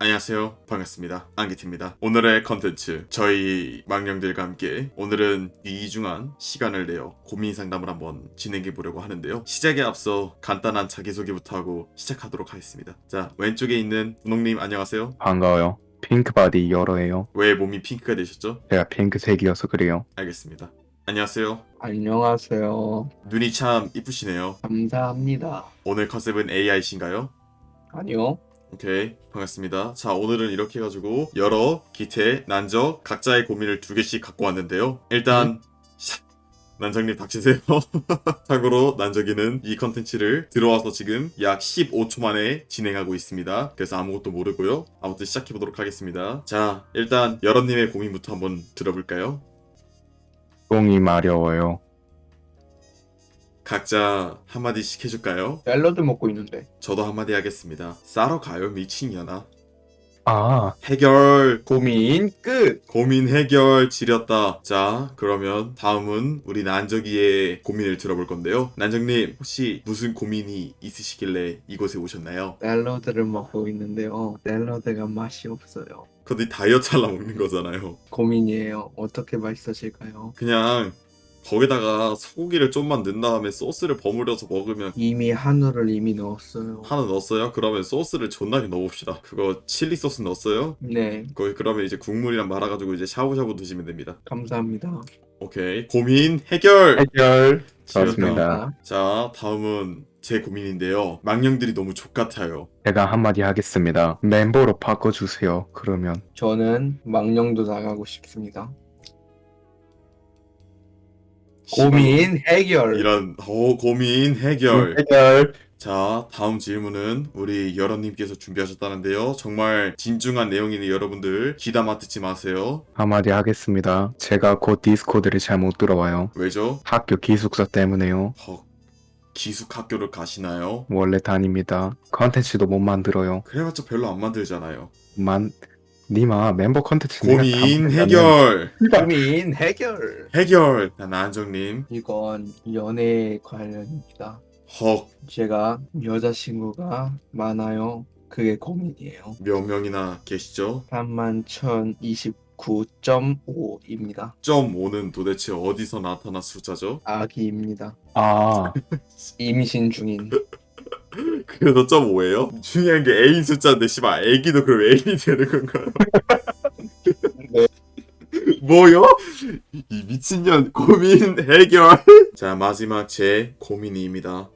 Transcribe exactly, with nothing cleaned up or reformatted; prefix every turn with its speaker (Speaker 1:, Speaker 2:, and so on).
Speaker 1: 안녕하세요. 반갑습니다. 안기티입니다. 오늘의 컨텐츠, 저희 망령들과 함께 오늘은 이중한 시간을 내어 고민 상담을 한번 진행해 보려고 하는데요. 시작에 앞서 간단한 자기소개부터 하고 시작하도록 하겠습니다. 자, 왼쪽에 있는 분홍님 안녕하세요.
Speaker 2: 반가워요. 핑크바디 열어예요.
Speaker 1: 왜 몸이 핑크가 되셨죠?
Speaker 2: 제가 핑크색이어서 그래요.
Speaker 1: 알겠습니다. 안녕하세요.
Speaker 3: 안녕하세요.
Speaker 1: 눈이 참 이쁘시네요.
Speaker 3: 감사합니다.
Speaker 1: 오늘 컨셉은 에이아이신가요?
Speaker 3: 아니요.
Speaker 1: 오케이, 반갑습니다. 자, 오늘은 이렇게 해가지고 여러 기태, 난적, 각자의 고민을 두 개씩 갖고 왔는데요. 일단 샤, 난적님 닥치세요. 참고로 난적이는 이 컨텐츠를 들어와서 지금 약 십오 초 만에 진행하고 있습니다. 그래서 아무것도 모르고요. 아무튼 시작해보도록 하겠습니다. 자, 일단 여러님의 고민부터 한번 들어볼까요?
Speaker 2: 똥이 마려워요.
Speaker 1: 각자 한마디씩 해줄까요?
Speaker 3: 샐러드 먹고 있는데.
Speaker 1: 저도 한마디 하겠습니다. 싸러 가요, 미친년아.
Speaker 2: 아,
Speaker 1: 해결!
Speaker 3: 고민 끝.
Speaker 1: 고민 해결 지렸다. 자, 그러면 다음은 우리 난적이의 고민을 들어볼 건데요. 난적님, 혹시 무슨 고민이 있으시길래 이곳에 오셨나요?
Speaker 3: 샐러드를 먹고 있는데요. 샐러드가 맛이 없어요.
Speaker 1: 근데 다이어트 하려 먹는 거잖아요.
Speaker 3: 고민이에요. 어떻게 맛있어질까요?
Speaker 1: 그냥 거기다가 소고기를 좀만 넣은 다음에 소스를 버무려서 먹으면.
Speaker 3: 이미 한우를 이미 넣었어요.
Speaker 1: 하나 넣었어요? 그러면 소스를 존나게 넣어봅시다. 그거 칠리 소스 넣었어요?
Speaker 3: 네.
Speaker 1: 거기 그러면 이제 국물이랑 말아가지고 이제 샤브샤브 드시면 됩니다.
Speaker 3: 감사합니다.
Speaker 1: 오케이, 고민 해결!
Speaker 2: 해결.
Speaker 1: 지렸다.
Speaker 2: 좋습니다.
Speaker 1: 자, 다음은 제 고민인데요. 망령들이 너무 족같아요.
Speaker 2: 제가 한마디 하겠습니다. 멤버로 바꿔주세요. 그러면
Speaker 3: 저는 망령도 나가고 싶습니다. 고민 해결.
Speaker 1: 이런 어 고민 해결.
Speaker 2: 해결.
Speaker 1: 자, 다음 질문은 우리 여러님께서 준비하셨다는데요. 정말 진중한 내용이니 여러분들 귀담아 듣지 마세요.
Speaker 2: 한마디 하겠습니다. 제가 곧 디스코드를 잘 못 들어와요.
Speaker 1: 왜죠?
Speaker 2: 학교 기숙사 때문에요.
Speaker 1: 헉, 기숙 학교를 가시나요?
Speaker 2: 원래 다닙니다. 컨텐츠도 못 만들어요.
Speaker 1: 그래봤자 별로 안 만들잖아요.
Speaker 2: 만 니마 멤버 컨텐츠 내가 다
Speaker 1: 고민
Speaker 2: 만들면
Speaker 1: 해결.
Speaker 3: 고민 해결.
Speaker 1: 해결. 난정님.
Speaker 3: 이건 연애 관련입니다.
Speaker 1: 헉,
Speaker 3: 제가 여자친구가 많아요. 그게 고민이에요.
Speaker 1: 몇 명이나 계시죠?
Speaker 3: 삼만 천이십구 점 오입니다.
Speaker 1: 점 오는 도대체 어디서 나타난 숫자죠?
Speaker 3: 아기입니다.
Speaker 2: 아,
Speaker 3: 임신 중인.
Speaker 1: 그래도 점 오예요? 중요한 게 애인 숫자인데 씨발 애기도 그럼 애인이 되는 건가요?
Speaker 3: 네.
Speaker 1: 뭐요? 이 미친년 고민 해결. 자, 마지막 제 고민입니다.